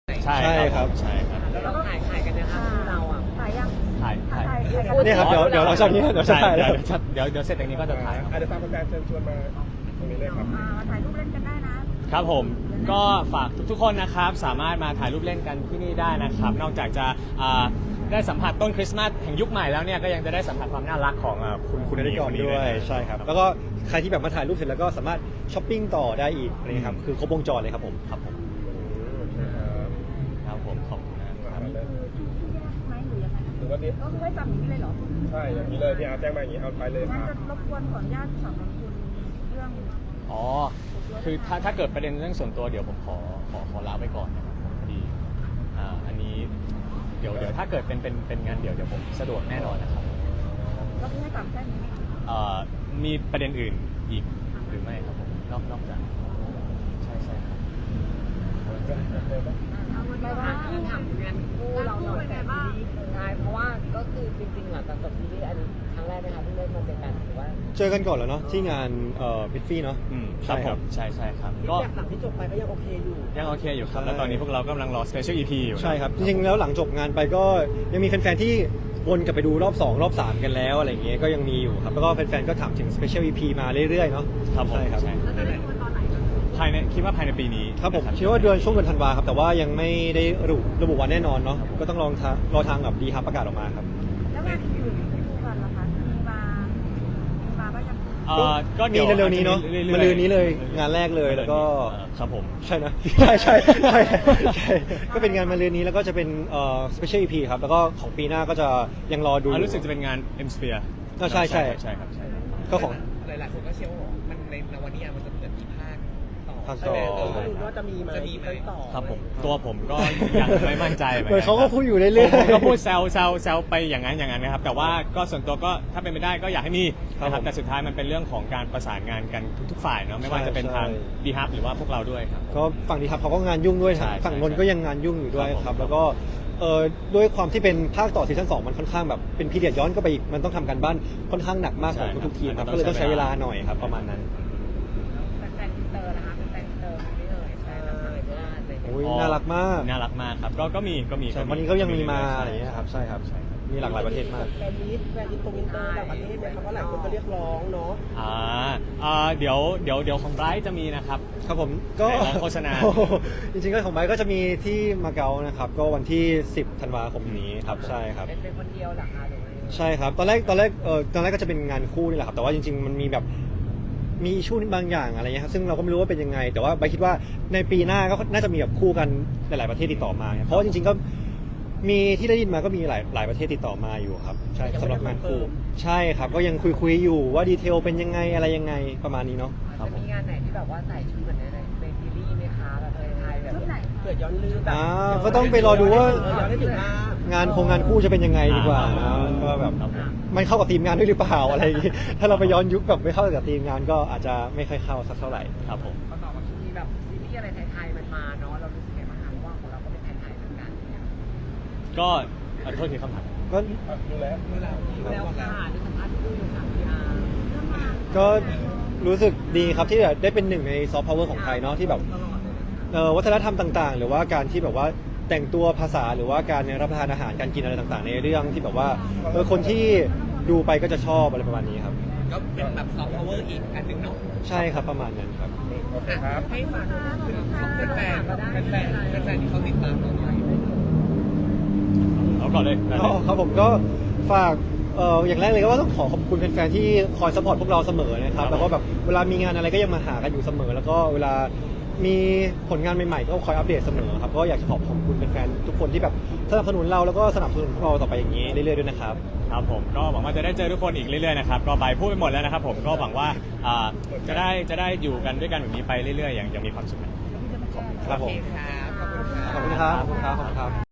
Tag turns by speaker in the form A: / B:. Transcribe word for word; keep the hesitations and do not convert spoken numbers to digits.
A: ใช่ครับใช่ครับ
B: แล้วเราถ่ายถ่ายกันนะคะคู่เราอ่ะ
C: ถ่ายยัง
A: ถ่ายถ่าย
C: เนี่ยครับเดี๋ยวเดี๋ยวเราชอบนี้เดี๋ยวจะถ่าย
A: เดี๋
C: แล้
A: ยว วเดี๋ยวเดี๋ยวเสร็จอย่างนี้ก็จะถ่ายครับ
D: อาจจะฝากแฟนๆเชิญชวนมาตรงนี้เลยครับ
C: อ่าถ่ายรูปเล่นกันได้นะครับ
A: ผมก็ฝากทุกๆคนนะครับสามารถมาถ่ายรูปเล่นกันที่นี่ได้นะครับนอกจากจะอ่าได้สัมผัสต้นคริสต์มาสแห่งยุคใหม่แล้วเนี่ยก็ยังจะได้สัมผัสความน่ารักของอ่าคุณคุณ
C: ได้
A: หญิง
C: ก่อ
A: คน นนี้
C: ด้วย
A: นะ
C: ใช่ครับแล้วก็ใครที่แบบมาถ่ายรูปเสร็จแล้วก็สามารถช้อปปิ้งต่อได้อีกนี่ครับคือครบวงจรเลยครับผม
A: ครับผมครับผมขอบคุณนะครับ
C: ไหมหรือยังไง
D: หรือว่านี่
C: ก็คือให้จำอย่างนี้เลยเหรอ
D: ใช่อย่างนี้เลยที่อาร์ตแจ้งมาอย่างนี้เอาไปเลยค
C: งั้น
D: รับ
C: จะรบกวนขออนุญาตสอบถามคุณเรื่อง
A: อ๋อคือถ้าถ้าเกิดประเด็นเรื่องส่วนตัวเดี๋ยวผมขอขอขอลาไว้ก่อนนะครับผมพอดีอ่าอันนี้เดี๋ยวเดี๋ยวถ้าเกิดเป็นเป็นเป็นงานเดี๋ยวเดี๋ยวผมสะดวกแน่นอนนะครับ
C: ก็คือให้จำแค่นี้
A: เอ่อมีประเด็นอื่นอีกหรือไม่ครับผมนอกนอกจากใช่ใช่ครับ
C: เอาไว้
B: ไม่
C: ว่า
B: ว่าที่ทำงานคู่เราหน่อยแต่ซีรีส์ใช่เพราะว่าก็คือจริงๆหลังจากจบซีรีส์อันนี้ครั้งแรกนะคะที่ได้มาเจอกันหรือว่า
C: เจอกันก่อนแล้วเนาะที่งานเอ่อบิทฟี่เนาะ
A: อืมครับผมใช่ใช่ครับก็
B: แบบหลังที่จบไปก็ยังโอเคอยู่
A: ยังโอเคอยู่ครับแล้วตอนนี้พวกเรากำลังรอ Special อี พี อยู่
C: ใช่ครับจริงๆแล้วหลังจบงานไปก็ยังมีแฟนๆที่วนกลับไปดูรอบสองรอบสามกันแล้วอะไรอย่างเงี้ยก็ยังมีอยู่ครับแล้วก็แฟนๆก็ถามถึง Special อี พี มาเรื่อยๆเนาะ
A: ครับผม
C: ใช่ครับ
A: ใช่ภายในคิดว่าภายในปีนี้
C: ครับผม
A: นะ
C: คิดว่าเดือนช่วงเดือนธันวาครับแต่ว่ายังไม่ได้ระบุระบุวันแน่นอนเนาะก็ต้องลองทางรอทางกับดีฮับประกาศออกมาครับแล้วงานอื่นที่คู่กันล่ะคะมีมามีมาบ้างยัง
A: เอ่อก็
C: มี
A: ดี๋ยว
C: เร็วๆนี้เนาะ
A: รื่อยๆ
C: มาลืนนี้เลยงานแรกเลยแล้วก็
A: เอ่อครับผม
C: ใช่นะ ใช่ใช่ใช่ใช่ก็เป็นงานมาลืนนี้แล้วก็จะเป็นเอ่อ Special อี พี ครับแล้วก็ของปีหน้าก็จะยังรอดู
A: อ่ารู้สึกจะเป็นงาน M Sphere
C: ก็ใช่ใช่
A: ใช่ครับใช่ครับ
C: ก็ของ
E: หลายๆคนก็เชื่อว่ามันในนวนิยายมันจะเหมือนมีภาคต่อ
C: ภาคต่อ
E: ใช่ไหมเออ
B: ก็รู้ว่าจะมีไหม
E: จะมีไหม
B: ต่อ
A: ครับผมตัวผมก็ยังไม่มั่นใจเหมือน
C: เหมื
A: กั
C: อนเขาก็พูดอยู่เรื่อยๆ
A: ผมก็พูดแซวแซวแซวไปอย่างนั้นอย่างนั้นนะครับแต่ว่าก็ส่วนตัวก็ถ้าเป็นไปได้ก็อยากให้มีนะค
C: ครั
A: รั
C: บบ ผม
A: แต่สุดท้ายมันเป็นเรื่องของการประสานงานกันทุกๆฝ่ายเนาะไม่ว่าจะเป็น
C: ใช่
A: ทางดีฮับหรือว่าพวกเราด้วยครับ
C: ก็ฝั่งดีครับเขาก็งานยุ่งด้วย
A: ใช่
C: ฝั่งนนท์
A: ใช่
C: ก็ยังงานยุ่งอยู่ด้วย
A: ครับผม
C: ครับแล้วก็เอ่อด้วยความที่เป็นภาคต่อซีซั่นสองมันค่อนข้างแบบเป็นพีเรียดย้อนก็ไปอีกมันต้องทำการบ้านค่อนข้างหนักมากของทุกๆทีมครับก็เลยต้องใช้เวลาหน่อยครับประมาณนั้น
B: แฟนอินเตอร์นะคะเป็นแฟนอินเตอร์ไม่เลยใช่แบบต่างชาติอะไรอย่างเงี้ย
C: โอ้ยน่ารักมาก
A: น่ารักมากครับก็ก็มีก็มี
C: ใช่วันนี้ก็ยังมีมาอะไรอย่างเงี้ยครับใช่ครับมีหลากหลายประเทศมาก
B: แฟนมิตรแฟนอินเตอร์อินเตอร์ต่างประเทศเนี่ยเขาก็หลายคนก็เรียกร้องเนาะ
A: อ่าอ่าเดี๋ยวเดี๋ยวเดี๋ยวของไบรท์จะมีนะครับ
C: ครับผมก็
A: ไหนลองโฆษณา
C: โอ้โหจริงๆก็ของไบค์ก็จะมีที่มาเก๊านะครับก็วันที่สิบธันวาคมนี้ครับใช่ครับ
B: เป็นเป็นคนเดียวเหรอคะหรือว่า
C: ใช่ครับตอนแรกตอนแรกเออตอนแรกก็จะเป็นงานคู่นี่แหละครับแต่ว่าจริง ๆ มันมีแบบมีอิชชูบางอย่างอะไรเงี้ยครับซึ่งเราก็ไม่รู้ว่าเป็นยังไง แต่ว่าไบค์คิดว่าในปีหน้าก็น่าจะมีแบบคู่กันหลายๆประเทศติดต่อมาเพราะว่าจริง ๆก็มีที่ได้ยินมาก็มีหลายหลายประเทศติดต่อมาอยู่ครับใช่สำหรับงานคู่ใช่ครับก็ยังคุยคุยๆอยู่ว่าดีเทลเป็นยังไงอะไรยังไงประมาณนี้เนาะ
B: จะมีงานไหนที่แบบว่าใส่ชุดเหมือนในในซีรีส์ไหมคะแบบไทยๆแบบเกิดย้อนลืมแบบ
C: อ่าก็ต้องไปรอดูว่า
B: เออย้อนได้ถึงมาง
C: านคงงานคู่จะเป็นยังไงดีกว่านะก็แบบ
A: ครับผม
C: มันเข้ากับทีมงานด้วยหรือเปล่าอะไรอย่างงี้ ถ้าเราไปย้อนยุคแบบไม่เข้ากับทีมงานก็อาจจะไม่ค่อยเข้าสักเท่าไหร่
A: ครับผม
B: ก็ต่อมาที่แบบซีรีส์อะไรไทยๆมันมาเนาะเรารู้สึกไงบ้างคะว่าของเราก็เป็นไทยๆเหมือนกันเนี่ย
A: ก็ขอโทษทีคำถาม
C: ก็
D: ดูแล
E: เมื่อเรา
B: แล้วค่ะที่สัมภาษณ์คู่อยู่ค่ะพี่อาร์
C: ก็รู้สึกดีครับที่ได้เป็นหนึ่งในซอฟต์พาวเวอร์ของไทยเนาะที่แบบ
B: ตลอดเลย
C: เอ่อวัฒนธรรมต่างๆ หรือว่าการที่แบบว่าแต่งตัวภาษาหรือว่าการรับประทานอาหารการกินอะไรต่างๆ ในเรื่องที่แบบว่าเออคนที่ดูไปก็จะชอบอะไรประมาณนี้ครับ
E: ก็เป็นแบบซอฟต์พาวเวอร์อีกอันหนึ่งเนาะ
C: ใช่ครับประมาณนั้นครับ
D: โอเคครับ
B: ให้ฝากถึง
E: ของแฟนแฟนแฟนแฟนที่เขาติดตามเราอยู่
A: เอาก่อนเลยได้เลย
C: อ๋อครับผมก็ฝากเอ่ออย่างแรกเลยก็ว่าต้องขอขอบคุณแฟนๆที่คอยสปอร์ตพวกเราเสมอนะครับแล้วก็แบบเวลามีงานอะไรก็ยังมาหากันอยู่เสมอ แล้วก็เวลามีผลงานใหม่ๆก็คอยอัปเดตเสมอครับก็อยากจะขอบคุณแฟนๆทุกคนที่แบบสนับสนุนเราแล้วก็สนับสนุนพวกเราต่อไปอย่างนี้เรื่อยๆด้วยนะครับ
A: ครับผมก็หวังว่าจะได้เจอทุกคนอีกเรื่อยๆนะครับก็ไปพูดไปหมดแล้วนะครับผมก็หวังว่าอ่าจะได้จะได้อยู่กันด้วยกันแบบนี้ไปเรื่อยๆอย่างอย่างมีความสุขนะ
C: ครับผม
E: ครับ ขอบคุณครับ
C: ขอบคุณครับขอบคุณครับขอบคุณครับ